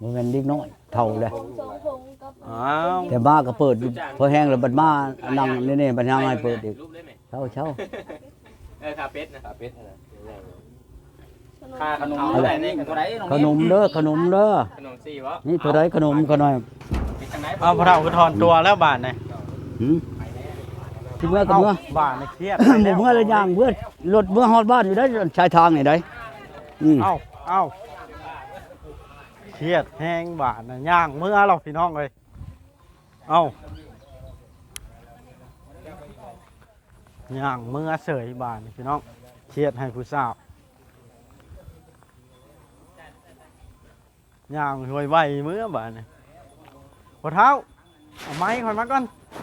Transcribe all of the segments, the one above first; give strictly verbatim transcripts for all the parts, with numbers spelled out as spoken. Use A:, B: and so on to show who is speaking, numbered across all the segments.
A: บ่แม่นเด็กน้อยเฒ่าแล้ว
B: อ้าว
A: แต่มาก็เปิดพอแห้งแล้วบัดมานั่งนี่ๆบัดยังให้เปิดอีกเช้าเช้า
C: เออคาเป็ดนะคาเป็ดนะ
D: ค่าขนมเท่าไหร่นี่เท่าไหร่น้อง
A: ขนมเด้อขนมเด้อ
C: ขนมซี่วะ
A: นี่ตัวใดขนมก็น้อย
B: เอาพระเฒ่าคือถอนตัวแล้วบาดนี่
A: หืมที่เมื่อกับเมื่อ
B: บาดนี่เครียด
A: หมู่เมื่อละอย่างเมื่อรถเมื่อฮอดบ้านอยู่ได้ชายทางนี่ได้อืม
B: เอ้าเอ้าเครียดแห้งบาดน่ะย่างเมื่อหรอกพี่น้องเอ้ยเอ้าย่างเมื่อเสยบาดนี่พี่น้องเครียดให้ผู้สาวย่างห่วยไหวเมื่อบาดนี่พอเท้าเอาไม้คอยมาก่อน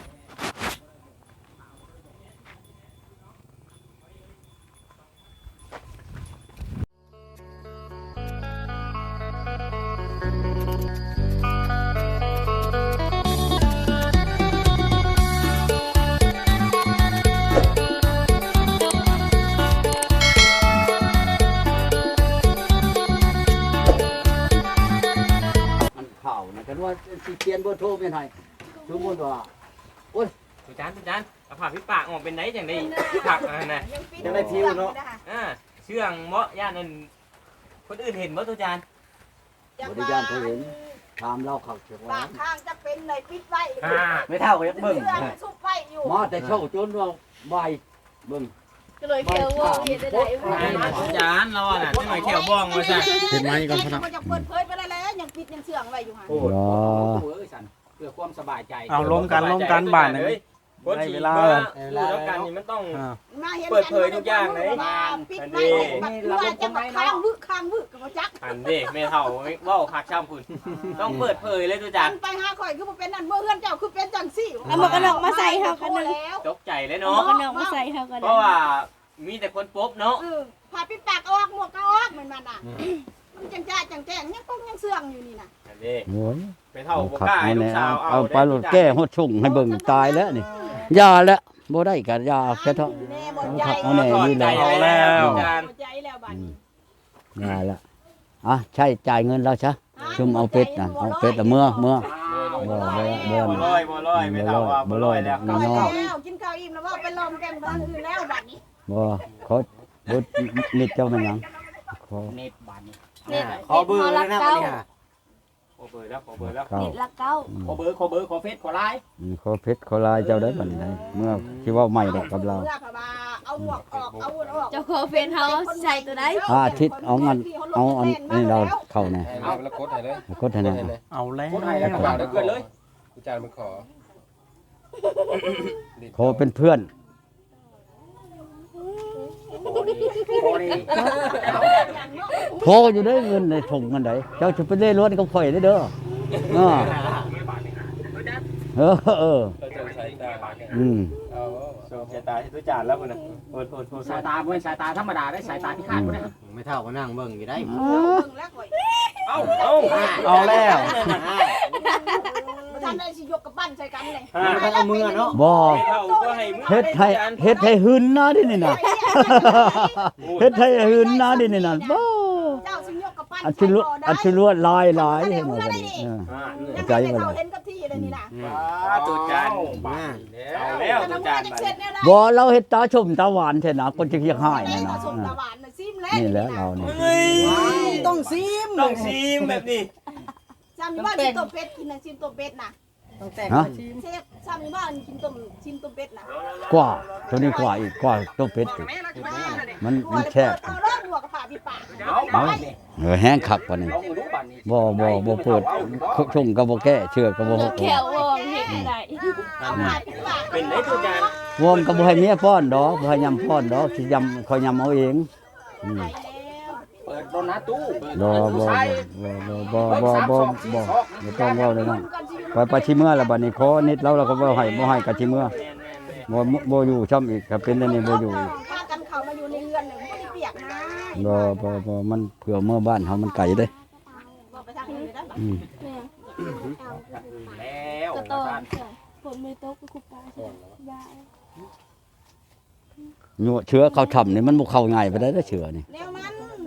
A: มันข่าวนะกันว่าสิเขียนบ่โทรเป็นให้สมมุติว่า
C: ทุจานทุจานเอาผักพี่ปากออกเป็นไหนจังได้ผักอะไรนะ
D: ยังได้ทิวเนาะ
C: อ่าเชื่องเมาะย่านนั่นคนอื่นเห็นบ่ทุจาน
A: บริการเขาเห็นถามเราเขาเชื่อ
E: ปา
A: ว่า
E: กข้างจะเป็นเลยปิดไว้
C: อ่า
D: ไม่เท่ากับยักษ์เบิ่ง
E: เสื้อซุกไว้อยู่
A: มาแต่เช้าจนว่าบ่ายเบิ่ง
E: ก็เลยเขียววงเขียนได้
C: ทุจานเราอ่ะจะหน่อยแขวบ้องมาซะ
B: เห็นไหมก่อนพนัก
E: มันจะเปิดเผยไปได้แล้วยังปิดยังเสื่องไว้อยู่ห่า
D: โอ้โหเอ้ยสันเพื่อความสบายใจ
B: เอาล้มกันล้มกันบาดนี่
C: คนฉี
B: ได้เว
C: ด
B: ลา
C: ว่ารู้แล้วกันนี่มันต้อง
B: อ่า
E: มาเห็น
C: เปิดเผยทุกอย่างเลย
E: ปิดไว้ว่าจะมาค้างวึกค้างวึกกับจัก
C: อันเด้แม่เฒ่าเว้าคักช่ำพุ่นต้องเปิดเผยเลยทุจา
E: กัน นไปหาข่อยคือบ่เป็นนั่นเมื่อเฮือนเจ้าคือเป็นจังซี่
F: เอาหมวกกันน็อกมาใส่เฮากันหนึ่ง
E: แล้ว
C: ตกใจเลย
F: หมว
C: เนาะ
F: กกันน็อกมาใส่เฮากัน
C: เพราะว่ามีแต่คนป๊บเนาะ
E: เออพาปิดปากออกหมวกก็ออกเหมือนมันอ่ะมันจังจ้าจังแจ้งยังต้องยังเสื่องอยู่นี่น่ะ
C: อันเด้
A: โอ้ย
C: แม่เฒ่าบ่
A: ขับ
C: กล้าให้
A: มา
C: ลู
A: แล้
C: กสาว ว
A: เอาไปรถแก้ฮอดชุ่งให้เบิ่งตายแล้วนี่ยาแล้วบ่ได้ก็ยาแค่เท่า
E: แน่บ่ใจ
A: เอาแน่นี่แหละ
C: เอาแล้ว
E: บ่ใจแล้วบัดนี้
A: ยาแล้วอ่ะใช่จ่ายเงินเราซะชุมเอาเป็ดน่ะเอาเป็ดละเมื่อเมื่อ บ่บ่บ่
C: บ่ลอยบ่ลอยไม่เท่าว่าบ่ลอยแล้ว
A: บ่
E: กิน
A: น้อย
E: ข้าวแล้วกินข้าวอิ่มแล้วว่าไปลอมแก้มบ้านอื่นแล้วบัดนี้
A: บ่เขาบ่นิดเจ้ามันหยังขอ
D: เน็ตบานนี้
F: เน็ต
D: ขอเบอร์เลยนะวันนี้ฮะ
C: ขอเบอร์แล้วขอเบอร์แล้ว
A: เข้า
F: เน็ตละเก้า
D: ขอเบอร์ขอเบอร์ขอเฟซขอไลน์
A: อืมขอเพชรขอลายเจ้าได้บัดนี้เมื่อสิเว้าใหม่ดอกกับเรา
E: เมื่อพะบาเอาหมวกออกเอาอุ่นออก
F: เจ้าของเฟนเฮาใส่ตัวใด
A: อ่าทิศเอางันเอาอันนี้เราเข้าแน่
G: เอาแล้วกดให้เลย
A: กดให้แน่
B: เอาแล้ว
D: คนไทยแล้วก็บ่าวได้เกินเลย
G: กูจานมันขอ
A: ขอเป็นเพื่อน
D: โอ้นี่
A: โทรอยู่ได้เงินในถุงกันไดเจ้าจะไปเล่รถกับข่อยได้เด้อเออเออเออ
G: เราจะใช้ตา
A: อืม
G: เอา
C: ส่งสายตาที่ทุจานแล้วพุ่นน่ะโอดโอดโอด
D: สายตาบ่เป็นสายตาธรรมดาได้สายตาพิฆาตบ่ได้
G: ไม่เท่าก็นั่งเบิ่งอยู่ได้
E: เบิ่งแล้วข่อย
C: เอ้าเอ้า
B: เอาแล้ว
E: บ่ทันได้สิยกกับปั้นใส่กันเลย
D: เอามือเนาะ
A: บ่
C: ไม่เท่าก็ให้มึง
A: เฮ็ดให้เฮ็ดให้หึนนะดินี่น่ะเฮ็ดให้หึนนะดินี่น่ะบ่
E: เจ้าสิยกกับปั้น
A: อัจฉริอัจฉริลายหลายให้หมดบัดนี้เออ
C: อ่า
E: ยัง
A: ใจ
E: ไม่
A: บ่
E: ได้
A: ล่ะ
E: เข้าเห็นกับที่เลยนี่น่ะ
C: ว้าทุจานเอาแล้วทุจานไป
A: บ่เราเฮ็ดตาชมตาหวานแท้นะคนจะเรียกหาย
E: นี่
A: นั่น
E: นะ
A: น่ะ
E: สม
A: เออ
E: ตะวันน่ะซิมแล้ว
A: นี่แหละเรานี่
C: เฮ้ย
D: ต้องซิม
C: ต้องซีมแบบนี้
E: จำอยู่บ้านกินต้มเป็ดกินน่ะซิมต้มเป็ดน่ะ
D: ต้องแต่ง
A: ฮะ
E: เชฟจำอยู่บ้านกินต้มซิมต้มเป็ดน่ะ
A: กว่าตัวนี้กว่าอีกกว่าต้มเป็ดอีกมันมันแซ่บ
E: เอาเริ่มหัวกับผ่าพี่ปาก
D: เอาบานนี้
A: เออแห้งคักกว่านี้
D: ลองดูบานนี้
A: บ่บ่บ่เปิดชงก็บ่แก้เชื่อก็บ่ฮ
F: ลู
A: อก
F: แขววงเฮ็ดได้
E: เอาผ่าพี่ปาก
C: เป็นได้ทุจาน
A: วอมก็บ่ให้เมียป้อนดอกบ่ให้ยำป้อนดอกสิยำคอยยำเอาเองอืม
D: เปิดโดนัทตู้
A: บ่บ่บ่บ่บ่บ่บ่บ่บ่ต้องเว้าเลยนั่นไปไปชิเมื่อแล้วบัดนี้ขอนิดแล้วเราก็บ่ให้บ่ให้ก็ชิเมื่อบ่บ่อยู่ช่ำอีกก็เป็นอันนี้บ่อยู่อีก
E: พากันเข้ามาอยู่ในเรือนเลยไม่ได้เปียกนะ
A: บ่บ่บ่มันเผื่อเมื่อบ้านเฮามันไกลเด้
E: บอกไปทางอื่นเลยนะ
A: อืม
D: แล้ว
F: ก็โตผมไม่ตกก็คุปตาใช่ยา
A: ยั่วเชื้อเขาทำนี่มันบ่เข้าง่ายไปได้เด้อเชื้อนี่
E: แนวมัน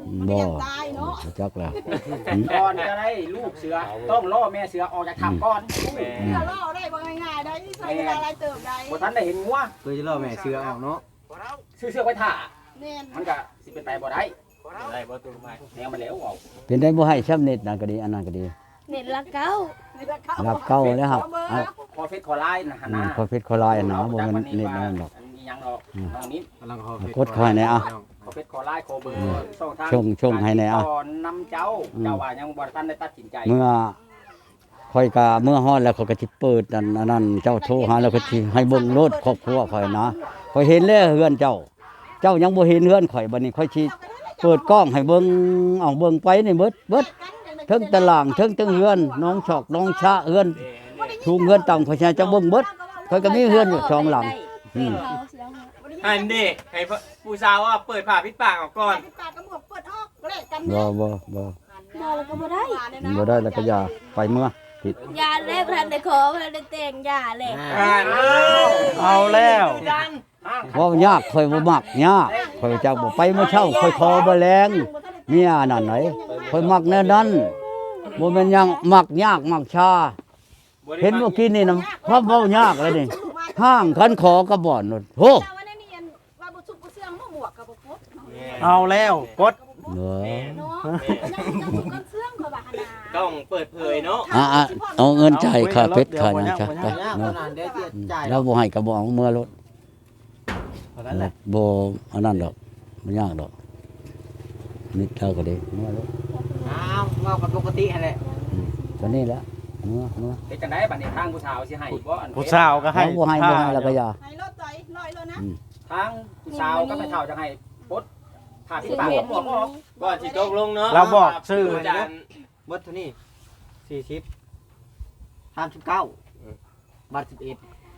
E: มัน
A: บ่
E: ยังตายเนาะ
A: จักแล้ว
D: ก่อนจะได้ลูกเสือต้องล่อแม่เสือออกจากถ้ำก่อน
E: เสือล่อได้บ่ง่ายๆได้ใช้เวลาหลายเติบได้
D: บ่ทันได้เห็นงัว
G: เพื่อจะล่อแม่เสือออกเนาะ
D: ซื้อเสือไว้ท่า
E: แน่น
D: มันก็สิเป็นไปบ่ได้
C: ได้บ่ตัวไม้
D: แนวมันแล้วเอา
A: เป็นได้บ่ให้ช้ำเน็ตนั่นก็ดีอันนั้นก็ดี
F: เน็ตละเก้า
A: รับเก้าแล้วครับเอา
D: คอเฟซคอไลน์นะหั่น
A: อืม
D: นะ
A: พอเพชรขอลายอันหนาบ่แมันเน็ตนั่นดอก
D: อันนี้ยังดอกน้องนี้
G: กำลังขอก
A: ดเข้าให้แน่อ่ะ
D: คอเฟซคอไลน์คอเบอร์ช่องทาง
A: ชงชงให้แน่อ่ะ
D: ตอนนำเจ้าเจ้าว่ายังบ่ทันได้ตัดสินใจ
A: เมื่อค่อยกะเมื่อฮอดแล้วเขาก็สิเปิดอันอันนั้นเจ้าโทรหาแล้วก็สิให้เบิ่งโลดครอบครัวข่อยนะข่อยเห็นแล้วเฮือนเจ้า เจ้ายังบ่เห็นเฮือนข่อยบัดนี้ข่อยสิเปิดกล้องให้เบิ่งเอาเบิ่งไปนี่เบิดเบิดเทั้งตารางเทั้งเทั้งเฮือนน้องชอกน้องชะเฮือนชูงเฮือนต่ำข่อยสิจะเบิ่งเบิดข่อยก็มีเฮือนอยู่สองหลังอืม
F: เขาเสียงหา
C: อันนี้ให้ผู้สาวว่าเปิดผ้าปิดปากออกก่อน
E: ปากกระหมวกเปิดออกแลกกัน
A: บ่บ่บ่
F: มาแล้วก็บ่ได้
A: บ่ได้แล้วก็อย่าไปเมื่อผิด
F: ยาเล็บทันได้ขอทันได้แต่งยาเล็บ
C: อ่า
B: เอาแล้ว
C: ดัน
A: เว้ายากข่อยบ่มักยากข่อยจักบ่ไปเมื่อเช้าข่อยคอบ่แรงเมียนั่นไหนข่อยมักแนวนั้นบ่แม่นหยังมักยากมักชา เห็นเมื่อกี้นี่นะพราะเว้ายากเลยนี่ห้างคันขอกระบ่อนนู่นโห
E: แต่ว่าในนี่ว่าบ่สุกบ่เสื่องบ่หมวกก็บ่ครบเนาะ
B: เอาแล้วกด
A: เด้อ
E: เนาะยังยังกันเสื่องก็ว่าหั่นน่ะ
C: ต้องเปิดเผยเนาะ
A: อ่ะอ่ะเอาเงินจ่ายค่าเพชรค่าหยังซะไป
G: ยาก
A: เนาะ
G: ขนาดเดี๋ยวจะจ่าย
A: เราบ่ให้ก็บ่เอาเมื่อรถ
B: เท่านั้นแหละ
A: บ่อันนั้นดอกบ่ยากดอกนิดเท่าก็ได้เมื่อรถ
G: อ้าวเว่ากันปกติหั่นแหละ
A: ตอนนี้แหละเมื่อเมื่อ
D: เฮ็ดจังได๋บัดนี้ทางผู้สาวสิให้บ่อัน
B: ผู้สาวก็ให้
A: เอาบ่ให้บ่ให้แล้วก็อย่า
E: ให้รถใจลอยเลยนะ
D: ทางผู้สาวก็ไม่เท่าจังให้ปลดผ้าปิดปากหมวกออก
C: ก่อนสิตกลงเนาะ
B: เราบอกชื่อ
C: จาน
G: เบิดเท่านี้สี่สิบห้าสิบเก้าบาทสิบเอ็ด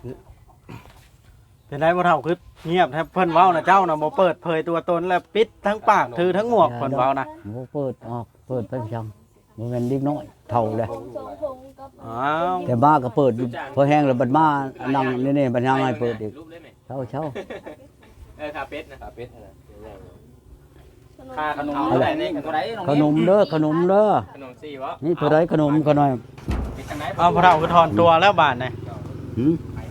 B: เป็นได้บ่เท่าคือเงียบแทบเพิ่นเว้านะเจ้าน่ะบ่เปิดเผยตัวตนแล้วปิดทั้งปากถือทั้งหมวกเพิ่นเว้านะ
A: บ่เปิดออกเปิดไปจังบ่แม่นเด็กน้อยเท่าแล้ว
F: สองพงกับ
B: อ้าว
A: แต่มาก็เปิดอยู่พอแห้งแล้วบัดมานั่งนี่ๆบัดยังให้เปิดอีก
C: รูปได้ไหม
A: เช้าเช้า
C: เออคาเป็ดนะคาเป็ด
D: ค่าขนมเท่าไหร่นี่เท่าไหร่น้อง
A: ขนมเด้อขนมเด้อ
C: ขนมซี่วะ
A: นี่เท่าไรขนมก็หน่อย
D: เฮ็ดจังได๋
B: เอาพระเท่าคือถอนตัวแล้วบาดนี่
A: หืม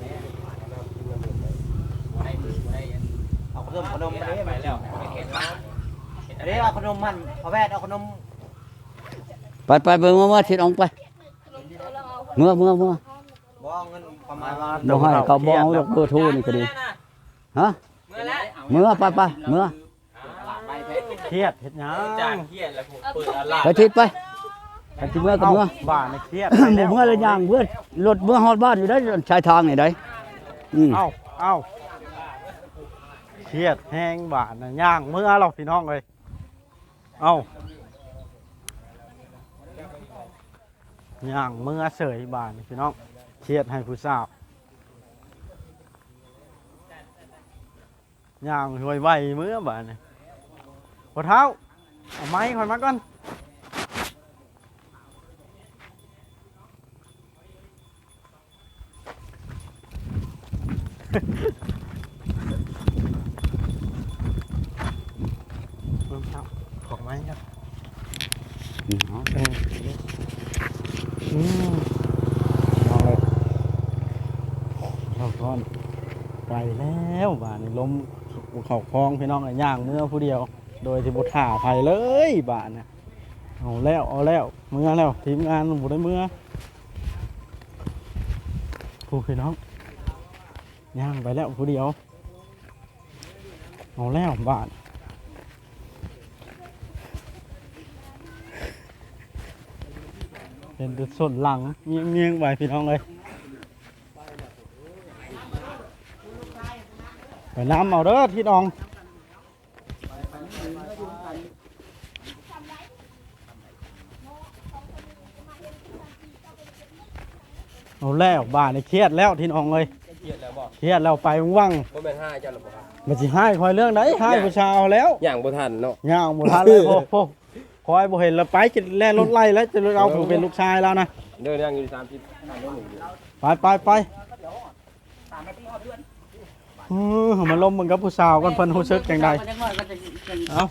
G: เอาขนมขนมมา
C: ไป
G: ดิ
C: แล้วไม่เห็นแล้ว
G: อันนี้เอาขนมมันพอแพทย์เอาขนม
A: ไปไปเบิ่งมาว่าทิศออกไปเมื่อเมื่อเมื่อ
G: บ่เอาเงินประมาณว่า
A: บ่ให้เขาบ่เอาดอกเบอร์โทรนี่ก็ดีฮะ
C: เมื่อแล้ว
A: เมื่อไปไปเมื่อ
B: เครียดเฮ็ดหยั
C: จาง
B: ง
C: เครียดแล้วผมเปิดอะไร
A: ไปทิศไปไปทิศเมื่อก็
B: เอ้า
A: เมื่อ
B: บ้านนี่เครียด
A: หมู่เมื่อละอย่างเมื่อรถเมื่อฮอดบ้านอยู่ได้ชายทางนี่ได้อืม
B: เอ้าเอ้าเครียดแห้งบ้านน่ะย่างเมื่อหรอกพี่น้องเอ้ยเอ้าย่างเมื่อเสยบ้านนี่พี่น้องเครียดให้ผู้สาวย่างห่วยไหวเมื่อบ้านนี่หัวเท้าเอาไม้คอยมาก่อนเอาเท้าของไม้ครับ
A: อืมเอา
B: เอออืมเอาเลยเอาก่อนไปแล้วบ้านนี่ล้มเข่าคลองพี่น้องไอ้ย่างเมื่อผู้เดียว โดยที่บุถ่าไผเลยบ้านน่ะเอาแล้วเอาแล้วเมื่อแล้วทีมงานบุได้เมื่อผู้พี่น้องย่างไปแล้วผู้เดียวเอาแล้วบ้านเป็นจุดส่วนหลังเงียงเงียงๆไปพี่น้องเลยไปน้ำเอาเด้อพี่น้องเอาแล้วบ้านนี่เครียดแล้วที่น้องเลย
G: เครียดแล้วบ่
B: เครียดแล้วไปว่าง
G: บ่แม่นห้าเจ้าหรอกบ่ครับ
B: ๆมันสิให้คอยเรื่องไหนให้ผู้ชายเอาแล้ว
G: อย่างบ่ทันเนาะ
B: ย่างบ่ทันเลยโอ้โหคอยบ่เห็นแล้วไปจะแล่นรถไล่แล้วจะเอาผมเป็นลูกชายแล้วนะ
G: เดินย่างอยู่สามสิบห้าโลหนึ่ง
B: ไปไปไปเออมันลมมันกับผู้สาวกันเพิ่นรู้สึกจังใดเอาไป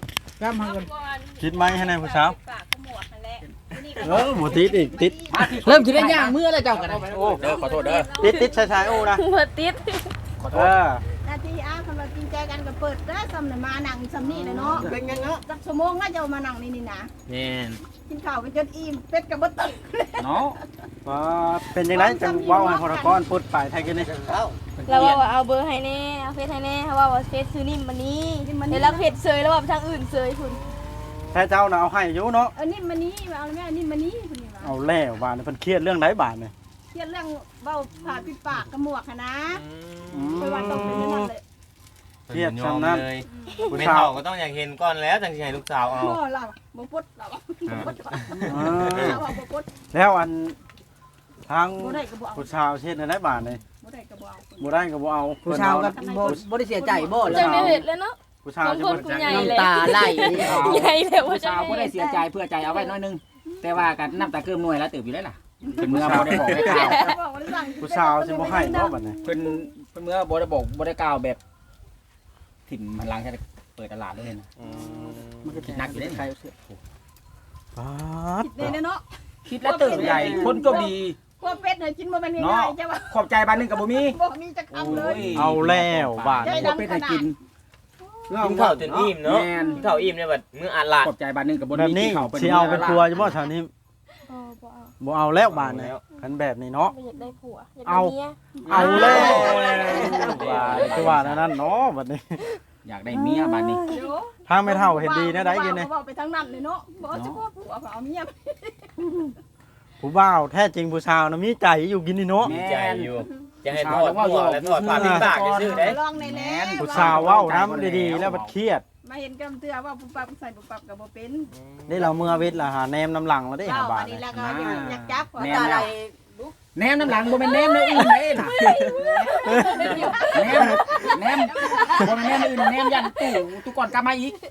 B: กล้ามมากันคิดไหมให้นายผู้สาวเออบ่ติดอีกติด
D: เริ่มคิดได้ย่างเมื่อแล้วเจ้ากันนะ
B: โอ้
C: เด้อขอโทษเด้อ
B: ติดติดชายชายโอ้นะ
F: เปิดติด
C: ขอโท
B: เอ
C: ษ
B: อ
E: นาทีอ้าคำว่าจริงใจกันก็เปิดได้ซ้ำน่ะมานั่งซ้ำนี่เลยเนาะ
G: เป็นยังเนาะ
E: สักชั่วโมงก็จะมานั่งนี่นี่นะ
C: แม่น
E: กินข้าวไปจนอิ่มเป็ดกับบ่ตึก
B: เนาะว่าเป็นจังไดจังเว้าให้พรกรพูดไปไทยกันนี่
F: เราว่าเอาเบอร์ให้แน่เอาเฟซให้แน่เขาว่าว่าเฟซซื้อนิ่มมันนี้เห็นแล้วเพจเซยแล้วว่าทางอื่นเซยคุณ
B: แท้เจ้าน่ะเอาให้อยู่เนาะ
E: เออนี่มานี้มาเอาแม่นี่มานี้คุณนี่ว่า
B: เอาแล้วบาดนี่เพิ่นเครียดเรื่องไหนบาดนี่
E: เครียดเรื่องเว้าผ่าปิดปากกับหมวกหั้นนะ
B: อืม
E: ไปวันต้องเป็นนั่นเลย
B: เครียดซ้ำนั้น
C: เลย
B: ผู้
C: แม่
B: สาว
C: เฒ่าก็ต้องอยากเห็นก่อนแล้วจังสิให้ลูกสาวเอา
E: โอ้เราบ่ปดเราบ่ปด
B: เออ
E: เราบ่ปด
B: แล้วอันทาง
E: บ่ได้ก็บ่เอา
B: ผู้ชาวเช็ดได้บาทนี่
E: บ่ได้ก็บ่เอา
B: บ่ได้ก็บ่เอา
G: ผู้ชาวก็บ่บ่ได้เสียใจบ่
F: จังได้เห็ดแล้วเนาะ
B: ผู้ชาว
F: ของ
B: จะ
F: คน
B: บ่
F: กูใหญ่เลย
G: น้ำตาไหล
F: ใหญ่เลยว่า
D: ผู้
F: จะ
D: ชาวบ่ได้เสียใจเพื่อใจเอาไว้น้อยนึงแต่ว่ากันน้ำตาเกิมหน่วยแล้วตื่นอยู่ได้ล่ะเพิ่นเมื่อบ่ได้บอกได้กล่าว
E: บอกว่าสั่ง
B: ผู้ชาวสิบ่ให้บ่บัดนี้
D: เพิ่นเพิ่นเมื่อบ่ได้บอกบ่ได้กล่าวแบบถิ่มมันล้างแค่เปิดตลาดเลยนะมันก็คิดหนักอยู่ได้ใคร
B: ปาด
E: คิดเลยเนาะ
D: คิดแล้วตื่นใหญ่คนก็ดี
E: พวกเป็ดเนี่ยกินบ่แม่นง่ายๆจ้ะว่า
D: ขอบใจบ้านนึงกับบ่มี
E: บ่มีจักคำเลย
B: เอาแล้วบาด
E: ใจ
B: นี้
E: ดำ
D: เป็น
E: ข
D: ให้
E: นา
D: กิ
E: ด
D: น
C: กินข้าวจนอิ่มเนาะ
D: แม่น
C: กินข้าวอิ่มเนี่ยบัดมื้ออาหลาด
D: ขอบใจบ้านนึงกับบ่
B: แบบ
D: มี
B: นี้
D: ที่เขา
B: สิเอาเป็นตัวอยู่บ่แถวนี้
F: อ๋อบ่เอา
B: บ่เอาแล้วบาดนี้คันแบบนี้เนาะ
F: ไม่อยากได้ผัวอยากได้
B: เอา
F: เมีย
B: เอาแล้วบาดคือว่านั่นเนาะบัดนี้
D: อยากได้เมียบ้านนี้
E: เดี๋ยว
B: ทางไม่เท่าเห็นดีนะได้กินนี่
E: บอกไปทางนั้นเลยเนาะบอกจะพ่อผัวเอาเมีย
B: ผู้บ่าวแท้จริงผู้ชาวน่ะมีใจอยู่กินนี่เนาะ
C: ดีใจอยู่จะให้ทอดหม้อและทอดปลาปิ้งปากซื่อๆเด้
E: ลองในแน่
B: ผู้ชาวเว้าน้ำดีๆแล้วมันเครียด
E: มาเห็นกำเตือว่าปุ๊บปั๊บใส่ปุ๊บปั๊บกับบ่เป็น
B: นี่เราเมื่อวิทย์ละหาแนมน้ำหลังแล้วได้
E: เจ้า
B: หาบา
E: อั
B: ท
E: นนี้
B: เลย
E: แล้วก็อยากจับ
D: แม่
E: ตา
D: แล้
E: ไหล
D: วแนมน้ำหลังบ่แม่นแนมเลยอื่นเลยน่ะแนมแนมบ่แม่นแนมอื่นแนมยันตู้ตู้ก่อนกลับมาอีก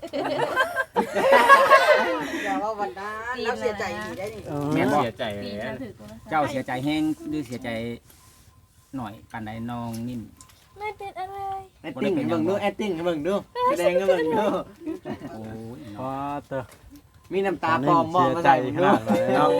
G: อย่าว่าวันนั้นแล้วเสียใจอีกได้นี่
B: เออ
D: แม่นบ่
C: เสียใจเลย
D: เจ้าเสียใจแห้งหรือเสียใจหน่อยปานใดน้องนิ่ม
F: ไม่เป็นอะไร
G: แอคติ้งให้เบิ่งดูแอคติ้งให้เบิ่งดูแสดงให้เบิ่งดู
D: โอ้ย
B: พอเตอ
G: มีน้ำตาปลอมมอง
B: เสีย
G: มา
B: ใจ
G: ใส่
B: ขนาดไหนเนาะ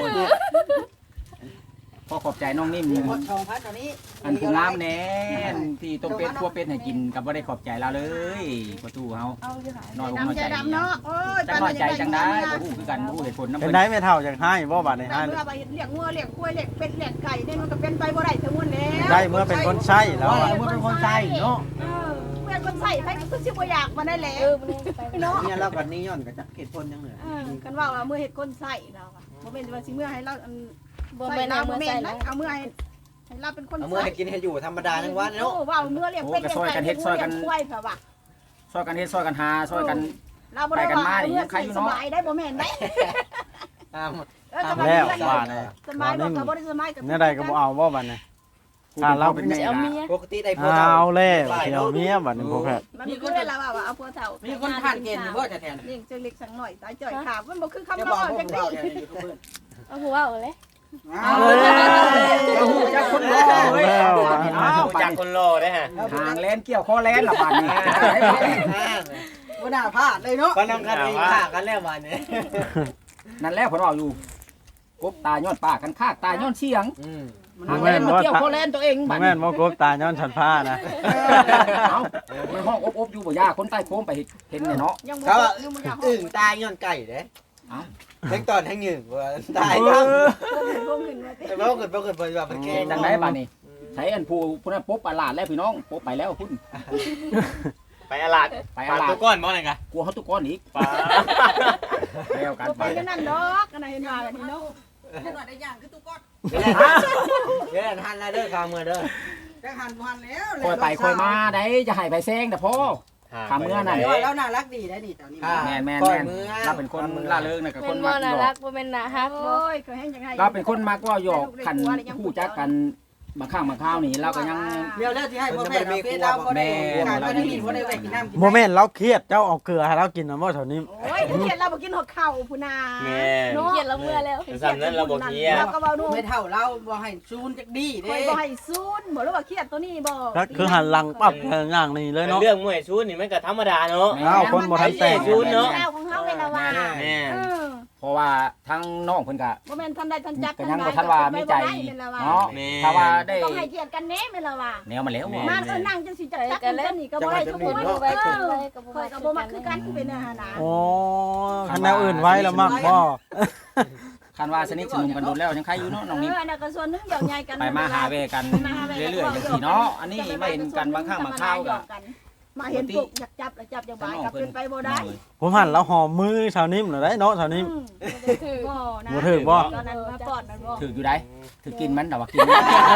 D: พอขอบใจน้องนิ่ม
G: หมดสองพันตอนนี้
D: อันผู้งามแน่นที่ต้มเป็ดคั่วเป็ดให้กินกับบ่ได้ขอบใจเราเลยประตูเฮา
F: เอาอยู่หาย
D: น้อยอกน้อย
E: ดำใจ
D: ใจ
E: ดำเนาะโอ้ย
D: จังน้อยใจจังได้บ่ฮู้คือกันบ่ฮู้เหตุผลนำ
B: เป็น
D: เพิ่น
B: ได้ไม่เท่าอย่างให้บ่บาทในให้
E: เมื่อไปเลี้ยงงัวเลี้ยงควายเลี้ยงเป็ดเลี้ยงไก่เนี่ยมันก็เป็นไปบ่ได้ทั้งหมดแล้ว
B: ได้เมื่อเป็นคนใช้แล้ว
G: ว่า
B: อะ
G: เมื่อเป็นคนใจเนาะ
E: เออเมื่อคนใส่ไปก็คือสิบ่อยากมาได้แหละ
F: เออมันเลยไป
E: เนาะ
G: เนี่ยเรากับนี้ย้อนกับจักเหตุผลยังเหลือ
E: เออกันว่าว่าเมื่อเฮ็ดคนใส่เราอะบ่แม่นว่าสิเมื่อให้เราอัน
F: บ่
E: ใส่
F: แม่น
E: เรา
F: เอา
E: บ่
F: มือ
E: แม่
F: ใส่
E: น
F: แล้
E: นะ
F: ว
E: เอาเมื่อให้ให้เราเป็นคน
G: เอาเมื่อ
E: ใส่
G: ให้กินให้อยู่ธรรมดาทั้งวัน
E: โอ้
G: เนาะ
E: ว่าเมื่อเลี้ยงเป็ดเลี้ยงไก่เลี้ยงควายค่ะว่า
D: ซอยกันเฮ็ดซอยกันหาซอยกัน
E: เราบ่ได้ว่าเมื่อสบายได้บ่แม่นได้
G: ตาม
E: เออสบาย
B: แล้ว
E: ได้
B: บาทเลย
E: สบายบ่ก็บ่ได้สบายกับ
B: เนี่ยใดก็บ่เอาบ่บาทเนี่ยถ้าเราเป็น
F: จะเอาเมีย
G: ปกติได้พอ
B: เอาแล้วเดี๋ยวเมียบาทนี่พวกแพทย์
E: มันมีคนเวลาว่าเอาผัวเฒ่า
G: มีคนผ่านเกณฑ์บ่จะแทน
E: เลี้ยงจังเล็กสังหน่อยตายจ่อยขามันบ่คือคำ
G: จะ
E: เรา
G: บอกพว
E: จั
G: ก
E: ง
G: เรา
E: นี้
G: เนี่ยยูทูบเบอร์
F: เอาหัวเอาเลย
G: เอาเลย
D: เอาหูจักคนรอเว้ย
B: แล้ว
D: อ้าว
C: จากคนรอได้ฮะ
D: ทางแลนเกี่ยวคอแลนละบาดนี้
G: บ่น่าพลาดเลยเนาะก็นำกันเองฆ่ากันแล้ววันนี้
D: นั่นแหละผมเอาอยู่กบตาย้อนปากกันคากตาย้อนเสียง
G: อืม
D: ทางแลนมาเกี่ยวคอแลนตัวเอง
B: บ่
D: บัด
B: แม่นบ่กบตาย้อนฉันผ้านะ
D: เอาในห้องอบๆอยู่บ่ยาคนใต้โค้งไปเห็นเนี่ยเนาะ
E: ยังบ่
G: เขา
E: ยังบ่อยาก
G: อึ่งตายย้อนไก่เด้
D: เอ้า
G: ทั้งตอนทั้งหนึ่งว่าตายทั้ง
E: ลงขึ้นมาสิ
G: แต่ว่าเกิดเกิดเกิดว่ามันเก่
D: เก่
G: ง
D: งจังไดบัดนี้ใช้อันผู้ผู้นั้นปุ๊บอาลาดแล้วพี่น้องปุ๊บไปแล้วพุ่น
C: ไปอาหลาด
D: ไป
C: ป
D: อา
C: ลา
D: ลา
C: ตั
D: ด
C: วก้อนบ่ไงกะ
D: กลัวเขาตุกก้อนอีก
C: ปลา
D: แล้วกัน
E: บ่
D: ไป
E: เป็นจังนั้นดอกอันนั้นเห็นว่าแบบนี้เนาะ
G: เดี๋ยวหันแล้วเด้อข้าวมือเด้อ
D: คอยไปคอยมาได้จะให้ไปแซงแต่พ่อ ทำเมื่อนั้น
G: แล้วน่ารักดีได้นี่ตอนนี้
D: แม่นแม่น
G: ปล่
D: แม่
G: อย
D: น
G: มือ
D: เราเป็นคนล่าเริงนะกับค
F: เป็น
D: น
F: บ่
D: มักห
F: น่าย
D: อ
F: รั
D: ก
F: กบ่แม่นน่าฮักบ่
E: โอ้ยเคยเห็นจังไง
D: เราเป็นคนมักว่าหยอกกันคู่จักกันบางข้างบางข้าวนี่เราก็ยัง
G: เดี๋ยวแล้วที่ให้พ่อแม่เราเฟซเราบ่ได้การบ่ได้กินบ่ได้แวะกินน้ำกิน
B: โมเมนต์เราเครียดเจ้าเอาเกลือให้เรากินนะบ่แถวนี้
E: โอ้ยเห็นเราบ่กินหัวเข่าพุ่นน่ะ
C: แม่
E: เนาะ
F: เกลียดเราเมื่อแล้ว
C: สำนั้นเราบอกเฮีย
E: เราก็เว้าดู
G: ไม่เท่าเราบ่ให้ซูนจักดี
E: คอย
G: เด้
E: บ่ให้ซูนบ่รู้ว่าเครียดตัวนี้บ่
B: ก็คือหันหลังปั๊บอย่างนี้เลยเนาะ
C: เรื่องมวยชูนี่มันก็ธรรมดาเนาะ
B: อ้าวคนบ่ทันแต่ง
C: ชูนเนาะ
E: เอาของเฮาแหลละว่า
C: แม่
E: เออ
D: เพราะว่าทั้งน้องเพิ่นก็
E: บ่แม่นทันใดทันจับ
D: ก็ยังบ่ทันว่ามีใจเนาะถ้าว่าได้
E: ต้องให้เกียรติกันแน่แม่นละว่า
D: แนวมาแล้ว
E: มาเออนั่งจังสิจักจักกันนี่ก็บ่ได้ทุกคน
F: ไว้
E: เอ
F: กัน
E: อ
F: ไว้กับ
E: ข่อยก็บ่มักคือกันเป็นอาหารนะ
B: โอ้คันแนวอื่นไว้แล้วมักบ่
D: คันว่าสนิทสนมกันโดนแล้วยังใครอยู่เนาะน้อง
E: เอ
D: นี่
E: ออันนั้นก็ส่วนหนึงเดี๋ยวใหญ่กัน
D: ไปมาหาเวกันเรื่อยๆจังซี่เนาะอันนี้มาเห็นกันบางครั้งบางคราวก็
E: มาเห็นพวกอยากจับแล้วจับจังบายก็เป็นไปบ่ได้
B: ผมหันแล้วหอมมือชาวนิ่มน่ะได้เนาะชาวนิ่ม
F: ถือ
E: บ่นะ
B: บ่ถึกบ่
E: ตอนนั้นมาปอดมันบ่
D: ถืออยู่ได้ถือกินมันแต่ว่ากิน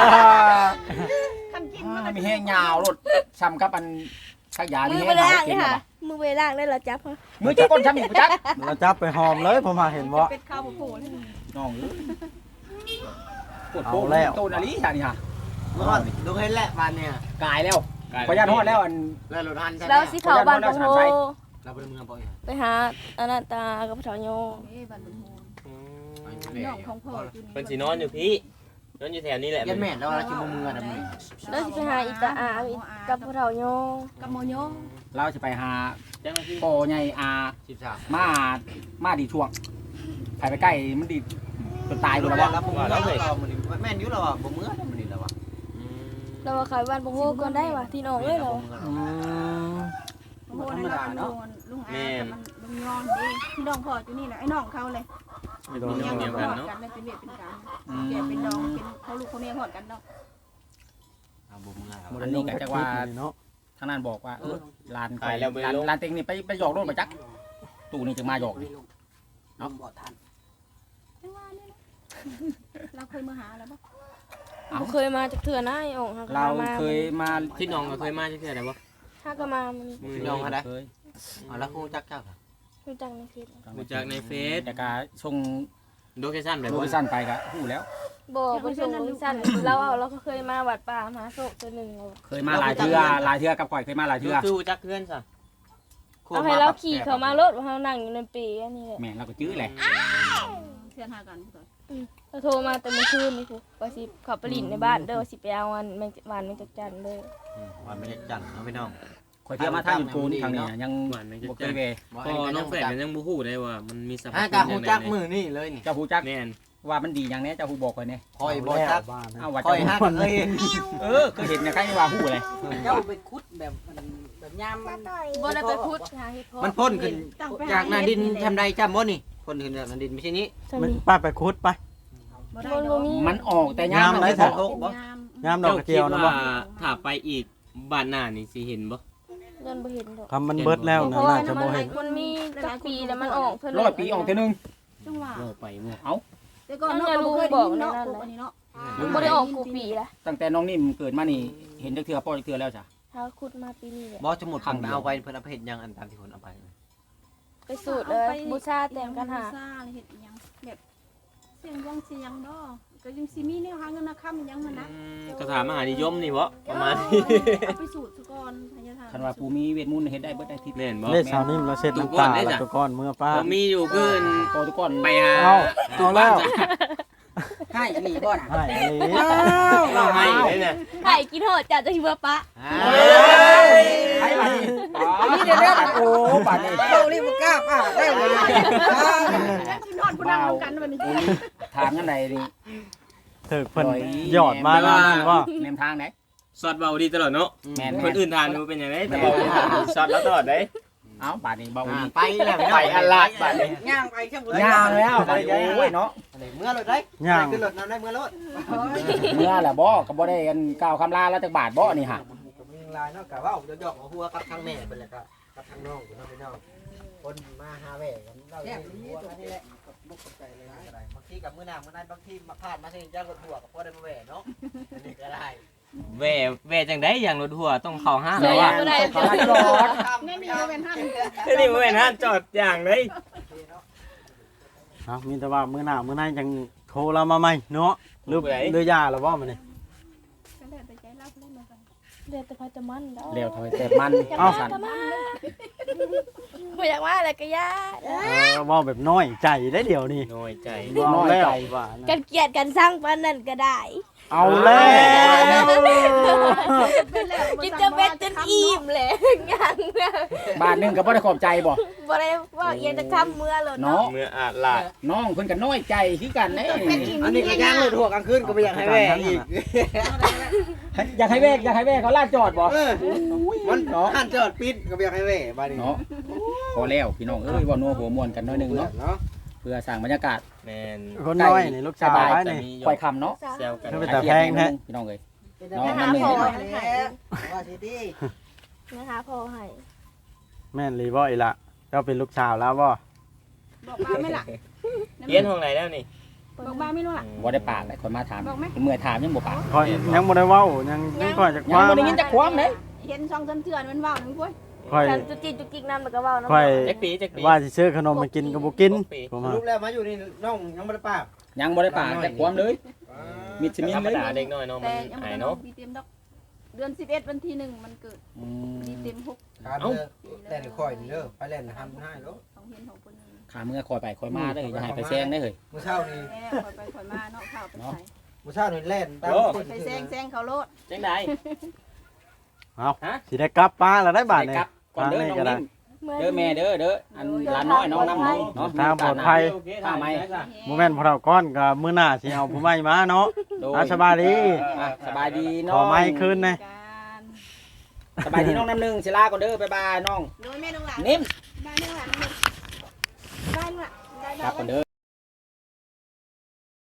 E: คันกินมันก็
D: มีแห้งยาวรถช้ำกับอันชักยา
F: มื
D: มี
F: อ
D: แห้
F: ไป
D: งยา
F: ล่าง
D: กิ
F: นี่
D: น
F: ค่ะมือไปล่างได้แล้วจับค่ะ
D: มือจะก้นช้ำอีกจัก
B: แล้วจับไปหอมเลยผมมาเห็นบ่
E: เป็ดข้าวบ่โผล่เลย
D: น้องปวด
B: เอา
D: โป้
B: แล้ว
D: ตูนอะไรอย่างนี้ฮะ
G: เมื่อก่อนดูเห็นแหละบ้านเนี่ย
D: กายแล้วพยานฮอดแล้วอัน
G: แล้วรถทันใช่ไหม
F: แล้วสิเขาบ้านปงโฮ
G: เราไปเมืองบ่อย
F: ไปหาอนันตากับพระเถาโย
E: เอ้บ้านบ่โผล่น้องของพ่ออยู่นี่
C: เป็นสีนอนอยู่พี่นอนอยู่แถวนี้แหละ
G: ยันแม่แล้วเราจะมาเมืองนะมึง
F: แล้วสิไปหาอิตาอากับพระเถาโย
E: กับโมโย
D: เราจะไปหา
C: เจ้าหน้าที่
D: โปใหญ่อา
G: สิบสาม
D: มามาดีช่วงใครไปใกล้มันดีจนตายกูแล้ว
G: แล้ว
D: วะ
G: ผมเมืองเรามันแม่นอยู่แล้วอ่ะบ่เมืองมันนี่แล้วอ่ะ
F: เราว่าขายบ้านปงโฮก่อนได้ว่ะที่น้องเลยเรา
B: อืม
E: โมโหนะลุงลุงอาแต่มันลุงยอนดิพี่น้องพ่ออยู่นี่แหละไอ้น้องเขาเลย
B: ไม่โดน
E: ยัง
B: เนาะ
E: หอดกันเลยเป็นเวียเป็นการแกเป็นน้องเป็นเขาลูกเขาเมียหอดกันเนาะ
G: บ่เมือง
D: อันนี้ก็จะว่า
B: เนาะ
D: ทางนั้นบอกว่าเออลานไปลานลานเต็งนี่ไปไปหยอกรถมาจักตู่นี่จึงมาหยอกนี่
G: เนาะบ่ทัน
E: จังว่าเนี่ยนะเราเคยมาหาแล้วปะ
F: บ่เคยมาจากเถื่อนะไอ้องค์
D: เราเคยมา
C: ที่น้องก็เคยมาที่เท่าไหร่บ่
F: ถ้าก็มามัน
C: มื
G: น้องอะไร
D: เคย
G: อ๋อแล้วคงจักจัก
F: รู้จักในคลิป
C: รู้จักในเฟซ
D: แต่การส่ง
C: โลเคชั่นแบบ
D: โล
C: ว่า
D: เคชั่นไปก็หู้แล้ว
F: บ่บ่ส่งสั้นเราเอาเราก็เคยมาวัดป่ามหาโศกตัวหนึ่งเรา
D: เคยมาหลายเทื่อหลายเทื่อกับข่อยเคยมาหลายเทื่อ
C: คือรู้จักเพื่อนซะ
F: เอาให้เราขี่เขามารถเรานั่งอยู่ในปีอันนี้แหละ
D: แม่เราก็จื้อแหละ
E: เพื่อนหากันก่อน
F: เราโทรมาแต่เมื่อคืนนี่คือว่าสิขับไปลินในบ้านเด้อว่าสิไปเอาวันแมงวันแมงจักจันเด้อ
G: วันไม่ได้จันเอาพี่น้อง
D: ข่อยเที่ยวมาทางอยู่กูนทางนี้ยัง
C: หวานไม่
D: บ่
C: จะ
D: เค
C: จั
D: ย
C: ด
D: เว
C: พอน้องแฝดมันยังบ่ฮู้ได้ว่ามันมีสรรพ
G: อ่า
C: คุณ
G: กะ
C: อ
G: ฮู
C: ย่าง
G: จัก
C: ไร
G: มือนี่เลยนี่
D: เจ้าฮู้จัก
C: แม่น
D: ว่ามันดีอย่างนี้เจ้าฮู้บอกข่อยเนี่ย
G: คอยบ่จัก
B: บ้านนะ
D: เอาว่า
G: คอ
D: เจ้าย
G: ฮักเอ้ย
D: เออเคยเห็นเนี่ยใครว่าฮู้เลย
G: เจ้าไปขุดแบบแบบยามมัน
F: บ่ได้ไปพุทธหาเฮ็ดเพาะ
G: มันพ่นขึ้นจากหน้าดินทำใดจำบ่นี่พ่นขึ้นจากหน้าดินไม่ใช่นี้
F: จะ
B: มัน
F: มี
B: ป้าไปคุดไป
E: บ่ได้
F: มัน
E: ด
F: บ่
E: อก
F: มี
D: มันออกแต่ยาม
B: ยาม
D: มัน
B: ไหน
D: ไม่
B: เถ
D: พ
B: อะ
D: อ
E: ยาม
B: ยามดอกกระเจียวนะ
C: จ้า
B: บ่
C: คิดว่าถ้าไปอีกบ้านหน้านี่สิเห็นบ่
F: เดินบ่เห็นดอก
B: คำมันเบิดแล้ว
F: เพ
B: นะ
F: ราะว่า
B: น่าจะ
F: มั
B: บ่
F: น
B: เห็น
F: มันมีจักปีแล้วมันออกเท่า
D: ร้อยปีออกเท่อนึง
E: จังหวะ
C: โง่ไปโง่
E: แต่ก่อนเนาะบ่เคยได้ยินเนาะพวกอันนี้เนาะ
F: บ่ได้ออกกูปีละ
D: ตั้งแต่น้องนิ่มเกิดมานี่เห็นจักเทื่อป้อจักเทื่อแล้วจ้ะ
F: ถ้าขุดมาปีนี้แหละ
G: บ่จะหมดขังเอาไปเพิ่นเอาไปเฮ็ดยังอันตามที่คนเอาไป
F: ไปสูตรเลยบูชาแต่งกันหา
E: บูชาเฮ็ดอีหยังแบบเสียงวงเสียงบ่ก็ยังสิมีแนวหาเงินค่ำอีหยังหั่นนะ
C: คาถามหานิยมนี่บ่ประมาณ
E: เอาไปสูตรซะก่อนพญาธา
D: คันว่าผู้มีเวทมนต์เฮ็ดได้เบิดได้ทิศ
C: แม่นบ่
B: เลขสาวนิ่มแล้วเสร็จน้ำตาแล้วตัวก้อนเมื่อป้า
C: บ่มีอยู่คือ
D: โตทุกคน
C: ไปหา
B: เอาเอาแล้ว
D: ให้อันนี้บ่น่ะ
B: ให้อันนี้
C: เราให้เลยเนี่ย
F: ไข่กินโหดจัดจะหิวปะ
D: ให้บัดนี้อ๋อนี่เด้อโอ้บัดนี้
G: เรารีบกล้าป้าได้เลย
E: แล้วสินอนผู้นั่งนำกันวันนี้
D: ถามกันไหนนี่
B: เถิกเพิ่นหยอดมาแล้วนั่นว่า
D: แนมทางไหน
C: สอดเบาดีตลอดเนาะ
D: แม่น
C: คนอื่นทานดูเป็นยังไงแต่บอกสอดแล้วตลอดได้
D: เอ้าบัดนี้เบาอีก
G: ไปแล้ว
C: ไปอันลาดบัดนี้
G: ย่างไปจังบ่
D: ยาวแล้วบัดนี้โอ้ยเนาะ
G: เมื่อรถได้
B: ย่าง
G: ขึ้นรถนำได้เมื่อรถ
D: เมื่อแหละบ่ก็บ่ได้กันกล่าวคำลาแล้วจักบาทบ่นี่ฮะ
G: ก็มีลายเนาะกะว่าเดี๋ยวหยอกหัวกับทางแม่เพิ่นแหละก็กับทางน้องอยู่เนาะพี่น้องคนมาหาแหวกันเราเนี่ยหัวกันนี่แหละบ่เข้าใจเลยก็ได้บางทีกับมื้อหน้ามื้อนั้นบางทีมาพลาดมาสิจังรถหัวก็พอได้มาแหวเนาะอันนี้ก็ได้
C: แว่แว่จังได้อย่างรถหัวต้องเข้าห้าง
F: เสีย
C: แล้ว
F: ยัง
C: ว่า
F: ไม่ได้
D: เขาให้จอด
E: แม่นี่บ่แม่นหั่น
C: นี่บ่แม่นห้างจอดอย่างเลย
B: เอามีแต่ว่ามื้อหน้ามื้อหน้ายังโทรเรามาใหม่เนาะหรือหรือยาแล้วบ่มื้อนี้
E: ก็แล้วแต่ใจเราเล่นมากัน
F: เดี๋ยวแต่พอจะมันแล้ว
D: เร็วถอยแต่มัน
B: เอ้า
F: จะมันไม่อยากว่าอะไรก็ยา
B: เออเว้าแบบน้อยใจได้เดี๋ยวนี้
C: น้อยใจ
B: น้อยแล้วว่านะ
F: กันเกลียดกันสร้างปานนั่นก็ได้
B: เอาแล้ว
F: กินจะเบ็ดจนอิ่มเลยยัง
D: บาทหนึงก็บ่ได้ขอบใจบ่
F: บ่ได้ว่าเอียงจะทำเมื่อเลย
D: เนาะ
F: เนาะ
C: เมื่ออาจลาด
D: น้องเพิ่นก็น้อยใจคือกันเด้
G: อันนี้ก็ย่างเลยทั่วกลางคืนก็ไม่อยากให้แม่อีก
D: อยากให้แวกอยากให้แวกเขาลาดจอดบ่
G: เออมันหันจอดปิดก็ไม่อยากให้แม่บ้านนี้
D: เนาะพอแล้วพี่น้องเอ้ยเว่านัวหัวม่วนกันหน้อยหนึงเนาะ
G: เนาะ
D: เพื่อสร้างบรรยากาศ
C: แมน
B: คนน้อยนี่ลูกชาย
D: สบาย
B: นี่
D: ปล่อยคำเนาะ
C: แซวกัน
B: ไม่เป็น แต่แพงแท้
D: พี่น้องเอ้ย
G: น้องน้ำหนึ่งว่าสิดี
F: นะคะพอให้
B: แม่นรีบ่อีละเจ้าเป็นลูกสาวแล้วบ่
E: บอกมาไม่ล่ะ
C: เรียนห้องไหนแล้วนี่
E: บอกมาไม่รู้ล่ะ
D: บ่ได้ปากเลยคนมาถาม
E: บอกไหม
D: เมื่อยถามยังบ่ปาก
B: คอยยังบ่ได้เว้ายังยังคอยจะค
D: ยัง
B: ว้า
D: บ่ได้ยินจักความเลย
E: เห็นช่องจนเถื่อนมันว่าวนึงพุ่ย
B: คอย
F: ฉันจุกจิกจุกจิกน้ำแล้วก็เว้าน้ำ
B: คอย
C: แจ็คปีแจ็คปี
B: ว่าสิซื้อขนมมากินก็บ่กินผมว่า
G: รูปแล้วมาอยู่นี่น้องยังไม่ได้ปาก
D: ยังบ่ได้ปากจักความเลยมิดสิมิน
C: ธรรม
D: เลย
C: ดาเด็กน้อยเนาะมั
E: แต่
C: น
E: ยัง
C: หา
E: ไม่
C: ย
E: น้อ
C: เนาะ
E: งปีเต็มดอกเดือนสิบเอ็ดวันที่หนึ่งมันเกิด
D: อื
E: ปี
D: ม
E: เต็มหก
G: การเด้อแล่นคอยนี่เด้อไปแล่นทำให้เด้อ
E: ของเห็นของคนนี้
D: ขาเมื่อคอยไปคอยมาได้ออย่าให้ไปแซงได้อเฮ้ย
G: มื้อเช้านี่
E: แม่คอยไปคอยมาเนาะข้าวไปใส่
G: มื้อเช้านี่แล่นตามคน
E: ไปแซงแซงเขาโลด
C: จังได
B: เอาสิได้กลับป้าแล้วได้บาท
C: ไป
B: นี่
C: กลับก่อนเด้อน้องนิ่ม
F: เมื่อ
C: เด้อแม่เด้อเด้ออันหลานน้อยน้องน้ำหนึงเนาะ
B: ทางปลอดภัย
C: ข้าไหม
B: บ่แม่นพวกเราก้อนก็มื้อหน้าสิเอาผู้ใหม่มาเนาะ
C: โดย
B: อ่ะสบายดี
C: อ่ะสบายดีน้
B: ข
C: อ
B: อง ไม้คืนนะ
E: การ
C: สบายดีน้องน้ำหนึ่งศิลาก่อนเด้อบ๊ายบายน้อง
E: โดยแม่น้องหลาน
C: นิ่ม
E: ได้น้องหลานได้น้องหลานได้
C: ครับก่อนเด้อ